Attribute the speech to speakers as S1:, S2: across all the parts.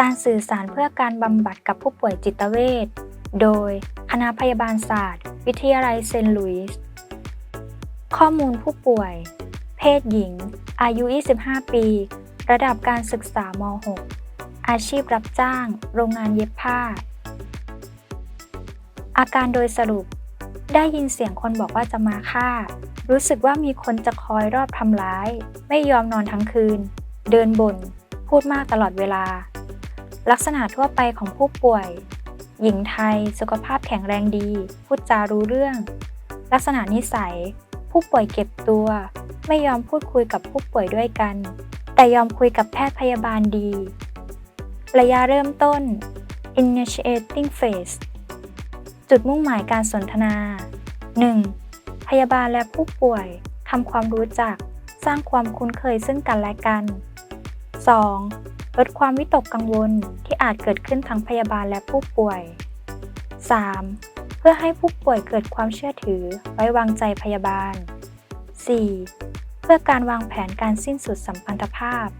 S1: การสื่อสารเพื่อการบำบัดกับผู้ป่วยจิตเวชโดยคณะพยาบาลศาสตร์วิทยาลัยเซนต์หลุยส์ข้อมูลผู้ป่วยเพศหญิงอายุ 25 ปีระดับการศึกษาม.6 อาชีพรับจ้างโรงงานเย็บผ้าอาการโดยสรุปได้ยินเสียงคนบอกว่าจะมาฆ่ารู้สึกว่ามีคนจะคอยรอบทำร้ายไม่ยอมนอนทั้งคืนเดินบ่นพูดมากตลอดเวลาลักษณะทั่วไปของผู้ป่วยหญิงไทยสุขภาพแข็งแรงดีพูดจารู้เรื่องลักษณะนิสัยผู้ป่วยเก็บตัวไม่ยอมพูดคุยกับผู้ป่วยด้วยกันแต่ยอมคุยกับแพทย์พยาบาลดีระยะเริ่มต้น Initiating Phase จุดมุ่งหมายการสนทนา 1. พยาบาลและผู้ป่วยทำความรู้จักสร้างความคุ้นเคยซึ่งกันและกัน 2. ลดความวิตกกังวลที่อาจเกิดขึ้นทั้งพยาบาลและผู้ป่วย 3. เพื่อให้ผู้ป่วยเกิดความเชื่อถือไว้วางใจพยาบาล 4. เพื่อการวางแผนการสิ้นสุดสัมพันธภาพ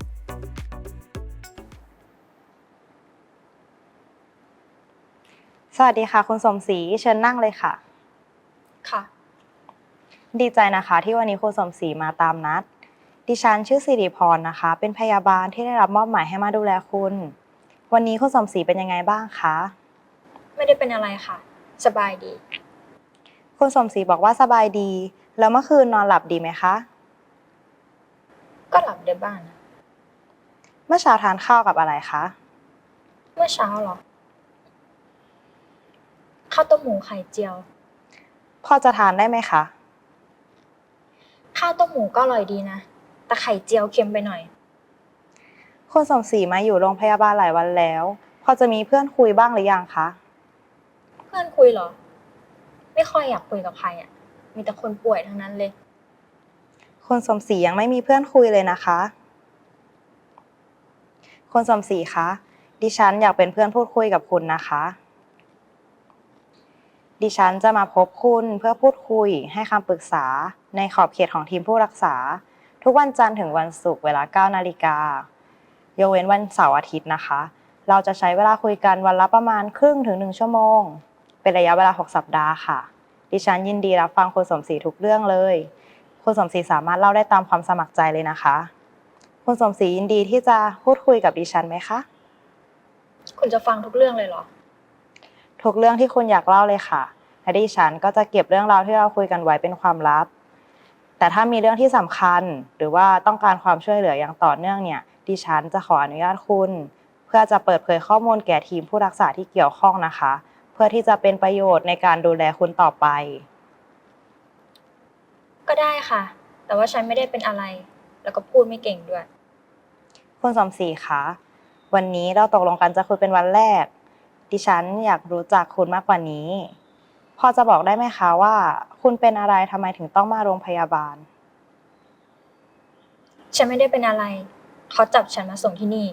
S2: สวัสดีค่ะคุณสมศรีเชิญนั่งเลยค่ะ
S1: ค่ะ
S2: ดีใจนะคะที่วันนี้คุณสมศรีมาตามนัดดิฉันชื่อสิริพรนะคะเป็นพยาบาลที่ได้รับมอบหมายให้มาดูแลคุณวันนี้คุณสมศรีเป็นยังไงบ้างคะ
S1: ไม่ได้เป็นอะไรค่ะสบายดี
S2: คุณสมศรีบอกว่าสบายดีแล้วเมื่อคืนนอนหลับดีไหมคะ
S1: ก็หลับได้บ้างนะ
S2: เมื่อเช้าทานข้าวกับอะไรคะ
S1: เมื่อเช้าเหรอข้าวต้มหมูไข่เจียว
S2: พอจะทานได้ไหมคะ
S1: ข้าวต้มหมูก็อร่อยดีนะแต่ไข่เจียวเค็มไปหน่อย
S2: คุณสมศรีมาอยู่โรงพยาบาลหลายวันแล้วพอจะมีเพื่อนคุยบ้างหรือยังคะ
S1: เพื่อนคุยเหรอไม่ค่อยอยากคุยกับใครอ่ะมีแต่คนป่วยทั้งนั้นเลย
S2: คุณสมศรียังไม่มีเพื่อนคุยเลยนะคะคุณสมศรีคะดิฉันอยากเป็นเพื่อนพูดคุยกับคุณนะคะดิฉันจะมาพบคุณเพื่อพูดคุยให้คำปรึกษาในขอบเขตของทีมผู้รักษาทุกวันจันทร์ถึงวันศุกร์เวลา 9 นาฬิกายกเว้นวันเสาร์อาทิตย์นะคะเราจะใช้เวลาคุยกันวันละประมาณครึ่งถึง1 ชั่วโมงเป็นระยะเวลา6 สัปดาห์ค่ะดิฉันยินดีรับฟังคุณสมศรีทุกเรื่องเลยคุณสมศรีสามารถเล่าได้ตามความสมัครใจเลยนะคะคุณสมศรียินดีที่จะพูดคุยกับดิฉันไหมคะ
S1: คุณจะฟังทุกเรื่องเลยเหรอ
S2: ทุกเรื่องที่คุณอยากเล่าเลยค่ะและดิฉันก็จะเก็บเรื่องราวที่เราคุยกันไว้เป็นความลับแต่ถ้ามีเรื่องที่สำคัญหรือว่าต้องการความช่วยเหลืออย่างต่อเนื่องเนี่ยดิฉันจะขออนุญาตคุณเพื่อจะเปิดเผยข้อมูลแก่ทีมผู้รักษาที่เกี่ยวข้องนะคะเพื่อที่จะเป็นประโยชน์ในการดูแลคุณต่อไป
S1: ก็ได้ค่ะแต่ว่าฉันไม่ได้เป็นอะไรแล้วก็พูดไม่เก่งด้วย
S2: คุณสมศรีคะวันนี้เราตกลงกันจะคุยเป็นวันแรกดิฉันอยากรู้จักคุณมากกว่านี้พอจะบอกได้ไหมคะว่าคุณเป็นอะไรทำไมถึงต้องมาโรงพยาบาล
S1: ฉันไม่ได้เป็นอะไรเขาจับฉันมาส่งที่นี่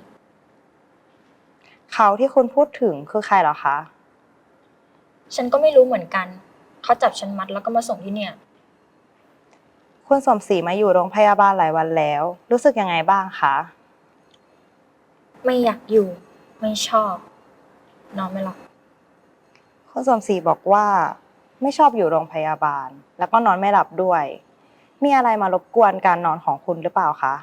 S2: เขาที่คุณพูดถึงคือใครเหรอคะ
S1: ฉันก็ไม่รู้เหมือนกันเขาจับฉันมัดแล้วก็มาส่งที่เนี่ย
S2: คุณสมศรีมาอยู่โรงพยาบาลหลายวันแล้วรู้สึกยังไงบ้างคะ
S1: ไม่อยากอยู่ไม่ชอบนอนไม่หลับ
S2: คุณสมศรีบอกว่าไม่ชอบอยู่โรงพยาบาลแล้วก็นอนไม่หลับด้วยมีอะไรมารบกวนการนอนของคุณหรือเปล่าคะ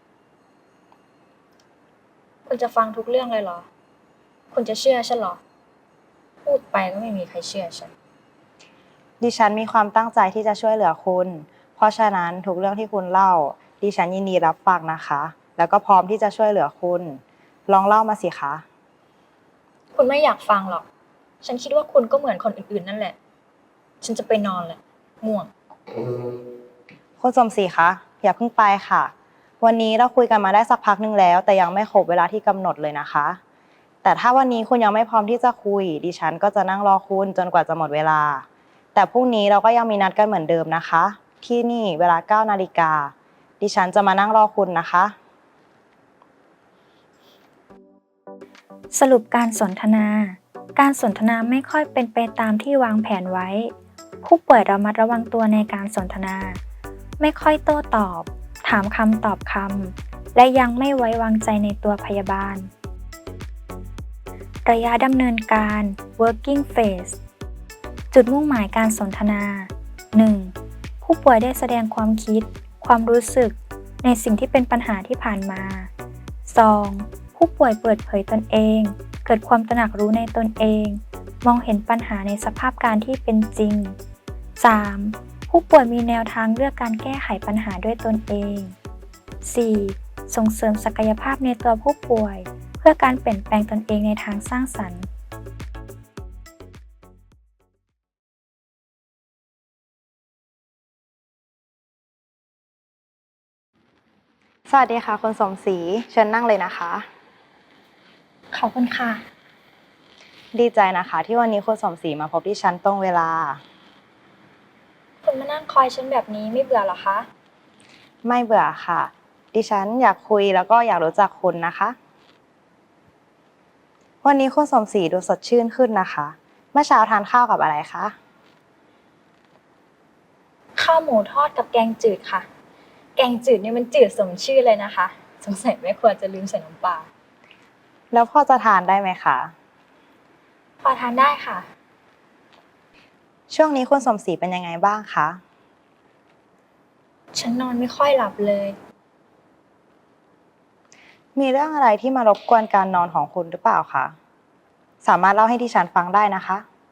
S1: คุณจะฟังทุกเรื่องเลยเหรอคุณจะเชื่อฉันเหรอพูดไปก็ไม่มีใครเชื่อฉัน
S2: ดิฉันมีความตั้งใจที่จะช่วยเหลือคุณเพราะฉะนั้นทุกเรื่องที่คุณเล่าดิฉันยินดีรับฟังนะคะแล้วก็พร้อมที่จะช่วยเหลือคุณลองเล่ามาสิคะ
S1: คุณไม่อยากฟังหรอกฉันคิดว่าคุณก็เหมือนคนอื่นๆนั่นแหละฉันจะไปนอนแหละง่วง
S2: คุณสมศรีคะอย่าเพิ่งไปค่ะวันนี้เราคุยกันมาได้สักพักนึงแล้วแต่ยังไม่ครบเวลาที่กำหนดเลยนะคะแต่ถ้าวันนี้คุณยังไม่พร้อมที่จะคุยดิฉันก็จะนั่งรอคุณจนกว่าจะหมดเวลาแต่พรุ่งนี้เราก็ยังมีนัดกันเหมือนเดิมนะคะที่นี่เวลา 9 นาฬิกาดิฉันจะมานั่งรอคุณนะคะ
S1: สรุปการสนทนาการสนทนาไม่ค่อยเป็นไปตามที่วางแผนไว้ผู้ป่วยระมัดระวังตัวในการสนทนาไม่ค่อยโต้ตอบถามคำตอบคำและยังไม่ไว้วางใจในตัวพยาบาลระยะดำเนินการ working phase จุดมุ่งหมายการสนทนา 1. ผู้ป่วยได้แสดงความคิด ความรู้สึกในสิ่งที่เป็นปัญหาที่ผ่านมา 2. ผู้ป่วยเปิดเผยตนเอง เกิดความตระหนักรู้ในตนเอง มองเห็นปัญหาในสภาพการที่เป็นจริง 3. ผู้ป่วยมีแนวทางเลือกการแก้ไขปัญหาด้วยตนเอง 4. ส่งเสริมศักยภาพในตัวผู้ป่วย เพื่อการเปลี่ยนแปลงตนเองในทางสร้างสรรค์
S2: สวัสดีค่ะคุณสมศรีเชิญนั่งเลยนะคะ
S1: ขอบคุณค่ะ
S2: ดีใจนะคะที่วันนี้คุณสมศรีมาพบที่ฉันตรงเวลา
S1: คุณมานั่งคอยฉันแบบนี้ไม่เบื่อหรอคะ
S2: ไม่เบื่อค่ะ ดิฉันอยากคุยแล้วก็อยากรู้จักคุณนะคะ วันนี้คุณสมศรีดูสดชื่นขึ้นนะคะ เมื่อเช้าทานข้าวกับอะไรคะ
S1: ข้าวหมูทอดกับแกงจืดค่ะ แกงจืดเนี่ยมันจืดสมชื่อเลยนะคะ สงสัยแม่ครัวจะลืมใส่น้ำปลา
S2: แล้วพอจะทานได้ไหมคะ
S1: พอทานได้ค่ะ
S2: ช่วงนี้คุณสมศรีเป็นยังไงบ้างคะ
S1: ฉันนอนไม่ค่อยหลับเลย
S2: มีเรื่องอะไรที่มารบกวนการนอนของคุณหรือเปล่าคะ สามารถเล่าให้ดิฉันฟังได้นะคะ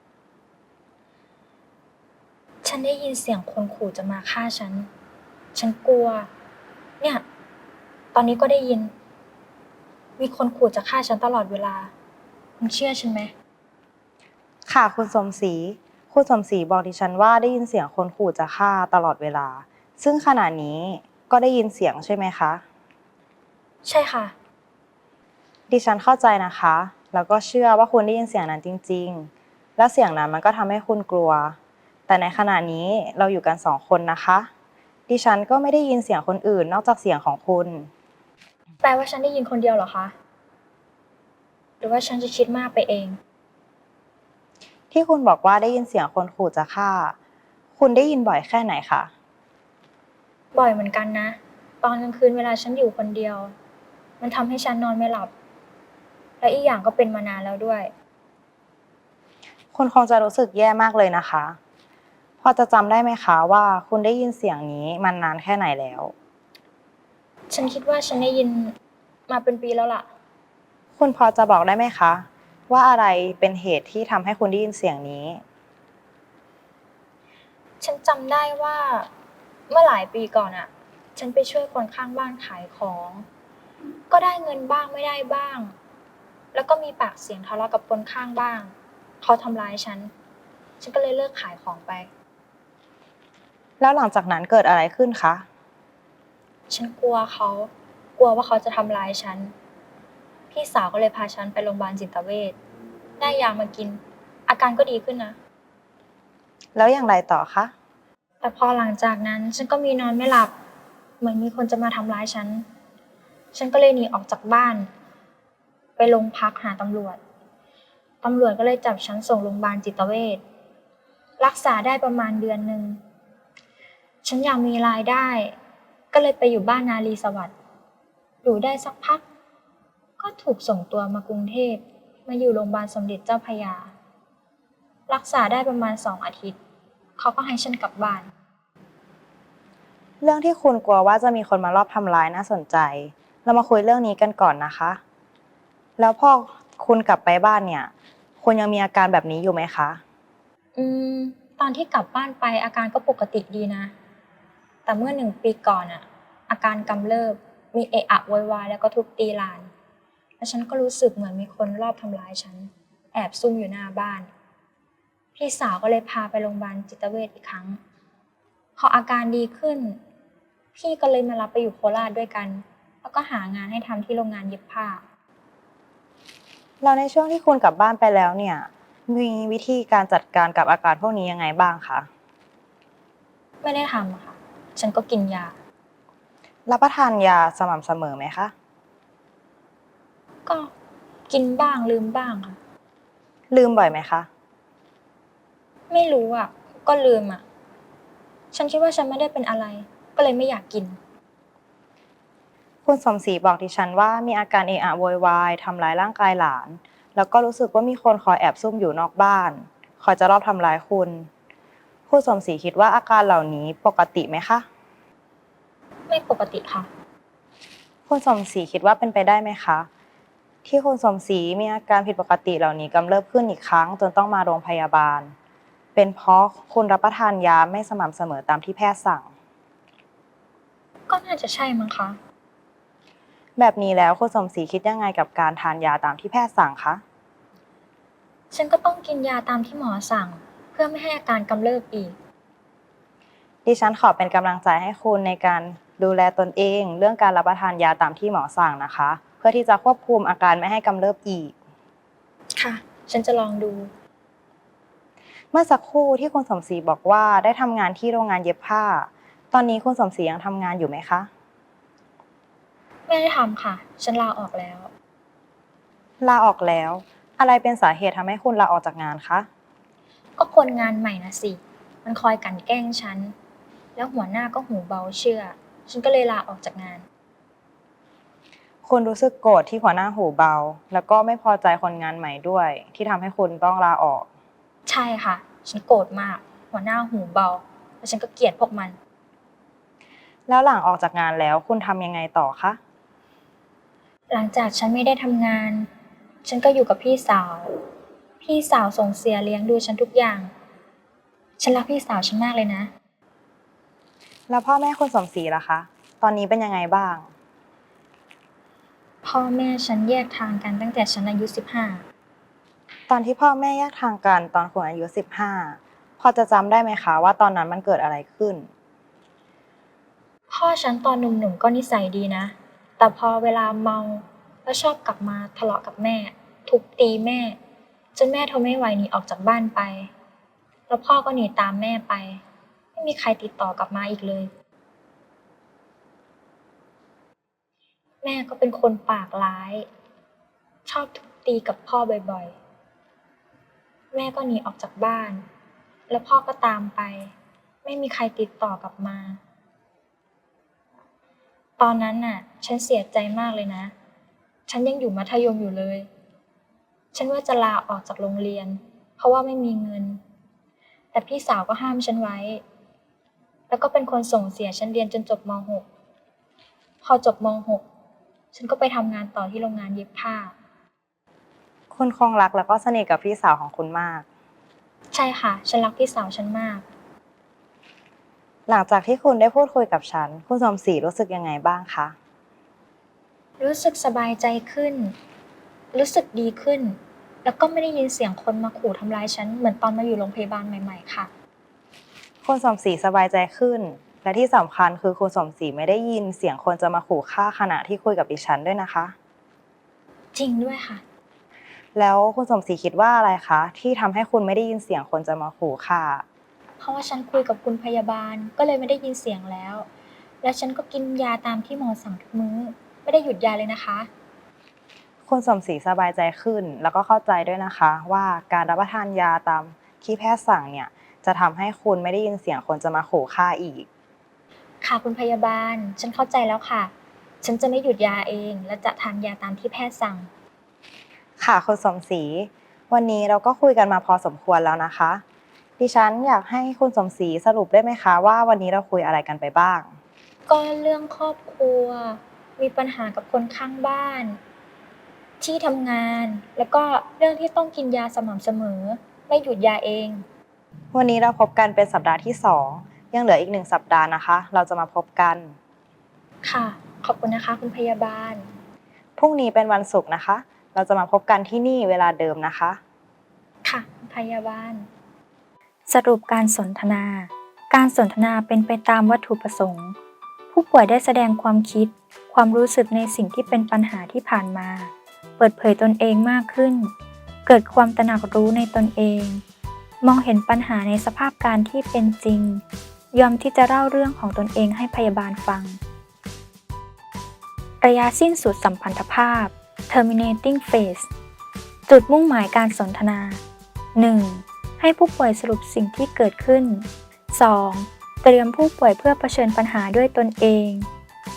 S1: ฉันได้ยินเสียงคนขู่จะมาฆ่าฉัน ฉันกลัว เนี่ย ตอนนี้ก็ได้ยิน มีคนขู่จะฆ่าฉันตลอดเวลา คุณเชื่อฉันไหม
S2: ค่ะคุณสมศรีคุณสมศรีบอกดิฉันว่าได้ยินเสียงคนขู่จะฆ่าตลอดเวลา ซึ่งขณะนี้ก็ได้ยินเสียงใช่ไหมคะ
S1: ใช่ค่ะ
S2: ดิฉันเข้าใจนะคะ แล้วก็เชื่อว่าคุณได้ยินเสียงนั้นจริงๆ แล้วเสียงนั้นมันก็ทำให้คุณกลัว แต่ในขณะนี้เราอยู่กัน2 คนนะคะ ดิฉันก็ไม่ได้ยินเสียงคนอื่นนอกจากเสียงของคุณ
S1: แปลว่าฉันได้ยินคนเดียวเหรอคะ หรือว่าฉันจะคิดมากไปเอง
S2: ที่คุณบอกว่าได้ยินเสียงคนขู่จะฆ่า คุณได้ยินบ่อยแค่ไหนคะ
S1: บ่อยเหมือนกันนะ ตอนกลางคืนเวลาฉันอยู่คนเดียว มันทำให้ฉันนอนไม่หลับ และอีกอย่างก็เป็นมานานแล้วด้วย
S2: คุณคงจะรู้สึกแย่มากเลยนะคะ พอจะจำได้ไหมคะว่าคุณได้ยินเสียงนี้มันนานแค่ไหนแล้ว
S1: ฉันคิดว่าฉันได้ยินมาเป็นปีแล้วล่ะ
S2: คุณพอจะบอกได้ไหมคะ ว่าอะไรเป็นเหตุที่ทำให้คุณได้ยินเสียงนี้
S1: ฉันจำได้ว่าเมื่อหลายปีก่อนอะฉันไปช่วยคนข้างบ้านขายของ ก็ได้เงินบ้างไม่ได้บ้าง แล้วก็มีปากเสียงทะเลาะกับคนข้างบ้าง เขาทำร้ายฉัน ฉันก็เลยเลิกขายของไป
S2: แล้วหลังจากนั้นเกิดอะไรขึ้นคะ
S1: ฉันกลัวเขา กลัวว่าเขาจะทำร้ายฉัน พี่สาวก็เลยพาฉันไปโรงพยาบาลจิตเวช ได้ยามากิน อาการก็ดีขึ้นนะ
S2: แล้วอย่างไรต่อคะ
S1: แต่พอหลังจากนั้นฉันก็มีนอนไม่หลับ เหมือนมีคนจะมาทำร้ายฉัน ฉันก็เลยหนีออกจากบ้าน ไปโรงพักหาตำรวจ ตำรวจก็เลยจับฉันส่งโรงพยาบาลจิตเวช รักษาได้ประมาณเดือนหนึ่ง ฉันอยากมีรายได้ ก็เลยไปอยู่บ้านนารีสวัสดิ์ อยู่ได้สักพัก ก็ถูกส่งตัวมากรุงเทพ มาอยู่โรงพยาบาลสมเด็จเจ้าพระยา รักษาได้ประมาณ2 อาทิตย์ เขาก็ให้ฉันกลับบ้าน
S2: เรื่องที่คุณกลัวว่าจะมีคนมารอบทำร้ายน่าสนใจ เรามาคุยเรื่องนี้กันก่อนนะคะ แล้วพอคุณกลับไปบ้านเนี่ย คุณยังมีอาการแบบนี้อยู่ไหมคะ
S1: ตอนที่กลับบ้านไปอาการก็ปกติดีนะ แต่เมื่อ1 ปีก่อนอะอาการกำเริบ มีเอะอะโวยวายแล้วก็ทุบตีหลาน แล้วฉันก็รู้สึกเหมือนมีคนรอบทำร้ายฉัน แอบซุ่มอยู่หน้าบ้าน พี่สาวก็เลยพาไปโรงพยาบาลจิตเวชอีกครั้ง พออาการดีขึ้น พี่ก็เลยมารับไปอยู่โคราชด้วยกัน แล้วก็หางานให้ทำที่โรงงานเย็บผ้า
S2: แล้วในช่วงที่คุณกลับบ้านไปแล้วเนี่ย มีวิธีการจัดการกับอาการพวกนี้ยังไงบ้างคะ
S1: ไม่ได้ทำอะค่ะ ฉันก็กินยา
S2: รับประทานยาสม่ำเสมอไหมคะ
S1: ก็กินบ้างลืมบ้างค่ะ
S2: ลืมบ่อยไหมคะ
S1: ไม่รู้อ่ะ ก็ลืมอ่ะ ฉันคิดว่าฉันไม่ได้เป็นอะไร ก็เลยไม่อยากกิน
S2: คุณสมศรีบอกดิฉันว่ามีอาการเอะอะโวยวายทำร้ายร่างกายหลานแล้วก็รู้สึกว่ามีคนคอยแอบซุ่มอยู่นอกบ้านคอยจะรอบทำร้ายคุณคุณสมศรีคิดว่าอาการเหล่านี้ปกติไหมคะ
S1: ไม่ปกติค่ะ
S2: คุณสมศรีคิดว่าเป็นไปได้ไหมคะที่คุณสมศรีมีอาการผิดปกติเหล่านี้กำเริบขึ้นอีกครั้งจนต้องมาโรงพยาบาลเป็นเพราะคุณรับประทานยาไม่สม่ำเสมอตามที่แพทย์สั่ง
S1: ก็น่าจะใช่มั้งคะ
S2: แบบนี้แล้วคุณสมศรีคิดยังไงกับการทานยาตามที่แพทย์สั่งคะ
S1: ฉันก็ต้องกินยาตามที่หมอสั่งเพื่อไม่ให้อาการกำเริบอีก
S2: ดิฉันขอเป็นกำลังใจให้คุณในการดูแลตนเองเรื่องการรับประทานยาตามที่หมอสั่งนะคะเพื่อที่จะควบคุมอาการไม่ให้กำเริบอีก
S1: ค่ะ ฉันจะลองดู
S2: เมื่อสักครู่ที่คุณสมศรีบอกว่าได้ทำงานที่โรงงานเย็บผ้าตอนนี้คุณสมศรียังทำงานอยู่ไหมคะ
S1: ไม่ได้ทำค่ะ ฉันลาออกแล้ว
S2: ลาออกแล้วอะไรเป็นสาเหตุทำให้คุณลาออกจากงานคะ
S1: ก็คนงานใหม่นะสิ มันคอยกลั่นแกล้งฉัน แล้วหัวหน้าก็หูเบาเชื่อ ฉันก็เลยลาออกจากงาน
S2: คุณรู้สึกโกรธที่หัวหน้าหูเบาแล้วก็ไม่พอใจคนงานใหม่ด้วยที่ทำให้คุณต้องลาออก
S1: ใช่ค่ะ ฉันโกรธมาก หัวหน้าหูเบา แล้วฉันก็เกลียดพวกมัน
S2: แล้วหลังออกจากงานแล้วคุณทำยังไงต่อคะ
S1: หลังจากฉันไม่ได้ทำงาน ฉันก็อยู่กับพี่สาว พี่สาวส่งเสียเลี้ยงดูฉันทุกอย่าง ฉันรักพี่สาวฉันมากเลยนะ
S2: แล้วพ่อแม่คุณสมศรีล่ะคะตอนนี้เป็นยังไงบ้าง
S1: พ่อแม่ฉันแยกทางกันตั้งแต่ฉันอายุ15
S2: ตอนที่พ่อแม่แยกทางกันตอนคุณอายุ15พอจะจำได้ไหมคะว่าตอนนั้นมันเกิดอะไรขึ้น
S1: พ่อฉันตอนหนุ่มๆก็นิสัยดีนะ แต่พอเวลาเมาแล้วชอบกลับมาทะเลาะกับแม่ ทุบตีแม่ จนแม่ทนไม่ไหวหนีออกจากบ้านไป แล้วพ่อก็หนีตามแม่ไป ไม่มีใครติดต่อกลับมาอีกเลย แม่ก็เป็นคนปากร้าย ชอบทุบตีกับพ่อบ่อยๆ แม่ก็หนีออกจากบ้าน แล้วพ่อก็ตามไป ไม่มีใครติดต่อกลับมา ตอนนั้นน่ะ ฉันเสียใจมากเลยนะ ฉันยังอยู่มัธยมอยู่เลย ฉันว่าจะลาออกจากโรงเรียน เพราะว่าไม่มีเงิน แต่พี่สาวก็ห้ามฉันไว้ แล้วก็เป็นคนส่งเสียฉันเรียนจนจบม.6 พอจบม.6 ฉันก็ไปทำงานต่อที่โรงงานเย็บผ้า
S2: คุณคงรักแล้วก็สนิทกับพี่สาวของคุณมาก
S1: ใช่ค่ะ ฉันรักพี่สาวฉันมาก
S2: หลังจากที่คุณได้พูดคุยกับฉันคุณสมศรีรู้สึกยังไงบ้างคะ
S1: รู้สึกสบายใจขึ้น รู้สึกดีขึ้น แล้วก็ไม่ได้ยินเสียงคนมาขู่ทำร้ายฉันเหมือนตอนมาอยู่โรงพยาบาลใหม่ๆค่ะ
S2: คุณสมศรีสบายใจขึ้นและที่สำคัญคือคุณสมศรีไม่ได้ยินเสียงคนจะมาขู่ฆ่าขณะที่คุยกับดิฉันด้วยนะคะ
S1: จริงด้วยค่ะ
S2: แล้วคุณสมศรีคิดว่าอะไรคะที่ทำให้คุณไม่ได้ยินเสียงคนจะมาขู่ฆ่า
S1: เพราะว่าฉันคุยกับคุณพยาบาลก็เลยไม่ได้ยินเสียงแล้ว แล้วฉันก็กินยาตามที่หมอสั่งทุกมื้อ ไม่ได้หยุดยาเลยนะคะ
S2: คุณสมศรีสบายใจขึ้นแล้วก็เข้าใจด้วยนะคะว่าการรับประทานยาตามที่แพทย์สั่งเนี่ยจะทำให้คุณไม่ได้ยินเสียงคนจะมาขู่ฆ่าอีก
S1: ค่ะคุณพยาบาล ฉันเข้าใจแล้วค่ะ ฉันจะไม่หยุดยาเองและจะทานยาตามที่แพทย์สั่ง
S2: ค่ะคุณสมศรีวันนี้เราก็คุยกันมาพอสมควรแล้วนะคะดิฉันอยากให้คุณสมศรีสรุปได้ไหมคะว่าวันนี้เราคุยอะไรกันไปบ้าง
S1: ก็เรื่องครอบครัว มีปัญหากับคนข้างบ้าน ที่ทำงาน แล้วก็เรื่องที่ต้องกินยาสม่ำเสมอ ไม่หยุดยาเอง
S2: วันนี้เราพบกันเป็นสัปดาห์ที่2ยังเหลืออีก1สัปดาห์นะคะเราจะมาพบกัน
S1: ค่ะ ขอบคุณนะคะคุณพยาบาล
S2: พรุ่งนี้เป็นวันศุกร์นะคะเราจะมาพบกันที่นี่เวลาเดิมนะคะ
S1: ค่ะคุณพยาบาลสรุปการสนทนา การสนทนาเป็นไปตามวัตถุประสงค์ ผู้ป่วยได้แสดงความคิด ความรู้สึกในสิ่งที่เป็นปัญหาที่ผ่านมา เปิดเผยตนเองมากขึ้น เกิดความตระหนักรู้ในตนเอง มองเห็นปัญหาในสภาพการที่เป็นจริง ยอมที่จะเล่าเรื่องของตนเองให้พยาบาลฟัง ระยะสิ้นสุดสัมพันธภาพ terminating phase จุดมุ่งหมายการสนทนา 1. ให้ผู้ป่วยสรุปสิ่งที่เกิดขึ้น 2. เตรียมผู้ป่วยเพื่อเผชิญปัญหาด้วยตนเอง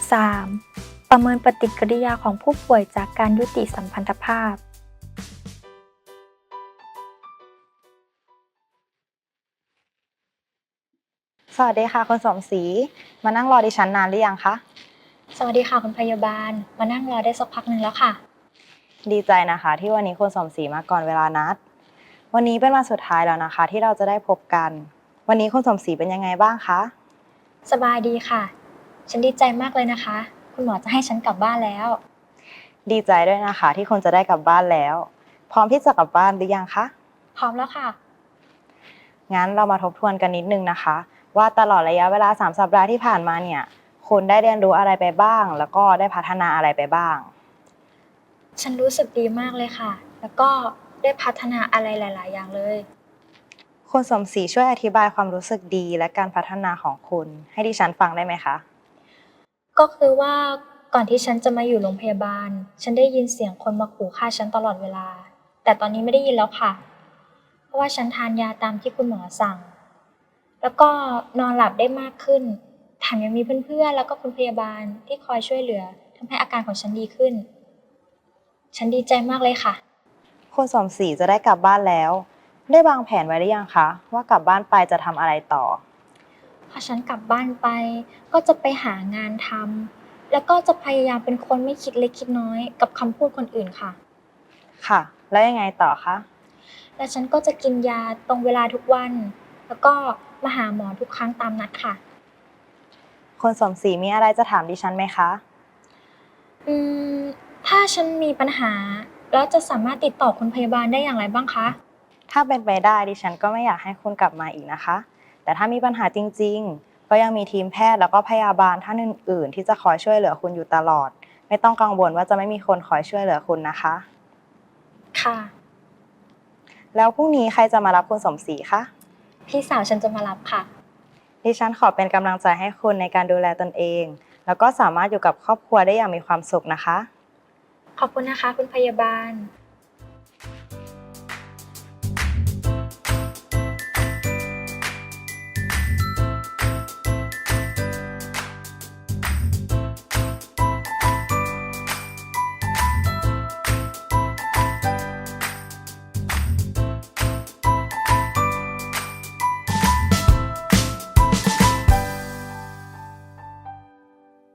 S1: 3. ประเมินปฏิกิริยาของผู้ป่วยจากการยุติสัมพันธภาพ
S2: สวัสดีค่ะคุณสมศรีมานั่งรอดิฉันนานหรือยังคะ
S1: สวัสดีค่ะคุณพยาบาล มานั่งรอได้สักพักหนึ่งแล้วค่ะ
S2: ดีใจนะคะที่วันนี้คุณสมศรีมาก่อนเวลานัดวันนี้เป็นวันสุดท้ายแล้วนะคะที่เราจะได้พบกันวันนี้คุณสมศรีเป็นยังไงบ้างคะ
S1: สบายดีค่ะ ฉันดีใจมากเลยนะคะ คุณหมอจะให้ฉันกลับบ้านแล้ว
S2: ดีใจด้วยนะคะที่คุณจะได้กลับบ้านแล้วพร้อมที่จะกลับบ้านหรือยังคะ
S1: พร้อมแล้วค่ะ
S2: งั้นเรามาทบทวนกันนิดนึงนะคะว่าตลอดระยะเวลา3 สัปดาห์ที่ผ่านมาเนี่ยคุณได้เรียนรู้อะไรไปบ้างแล้วก็ได้พัฒนาอะไรไปบ้าง
S1: ฉันรู้สึกดีมากเลยค่ะ แล้วก็ได้พัฒนาอะไรหลาย ๆ อย่างเลย
S2: คุณสมศรีช่วยอธิบายความรู้สึกดีและการพัฒนาของคุณให้ดิฉันฟังได้ไหมคะ
S1: ก็คือว่าก่อนที่ฉันจะมาอยู่โรงพยาบาล ฉันได้ยินเสียงคนมาขู่ฆ่าฉันตลอดเวลา แต่ตอนนี้ไม่ได้ยินแล้วค่ะ เพราะว่าฉันทานยาตามที่คุณหมอสั่ง แล้วก็นอนหลับได้มากขึ้น แถมยังมีเพื่อนๆแล้วก็คุณพยาบาลที่คอยช่วยเหลือทำให้อาการของฉันดีขึ้น ฉันดีใจมากเลยค่ะ
S2: คุณสมศรีจะได้กลับบ้านแล้วได้วางแผนไว้หรือยังคะว่ากลับบ้านไปจะทำอะไรต่อ
S1: พอฉันกลับบ้านไปก็จะไปหางานทำแล้วก็จะพยายามเป็นคนไม่คิดเล็กคิดน้อยกับคำพูดคนอื่นค่ะ
S2: ค่ะแล้วยังไงต่อคะ
S1: แล้วฉันก็จะกินยาตรงเวลาทุกวัน แล้วก็มาหาหมอทุกครั้งตามนัดค่ะ
S2: คุณสมศรีมีอะไรจะถามดิฉันไหมคะ
S1: อืม ถ้าฉันมีปัญหาแล้วจะสามารถติดต่อคุณพยาบาลได้อย่างไรบ้างคะ
S2: ถ้าเป็นไปได้ดิฉันก็ไม่อยากให้คุณกลับมาอีกนะคะแต่ถ้ามีปัญหาจริงๆก็ยังมีทีมแพทย์แล้วก็พยาบาลท่านอื่นๆที่จะคอยช่วยเหลือคุณอยู่ตลอดไม่ต้องกังวลว่าจะไม่มีคนคอยช่วยเหลือคุณนะคะ
S1: ค่ะ
S2: แล้วพรุ่งนี้ใครจะมารับคุณสมศรีคะ
S1: พี่สาวฉันจะมารับค่ะ
S2: ดิฉันขอเป็นกำลังใจให้คุณในการดูแลตนเอง แล้วก็สามารถอยู่กับครอบครัวได้อย่างมีความสุขนะคะ
S1: ขอบคุณนะคะคุณพยาบาล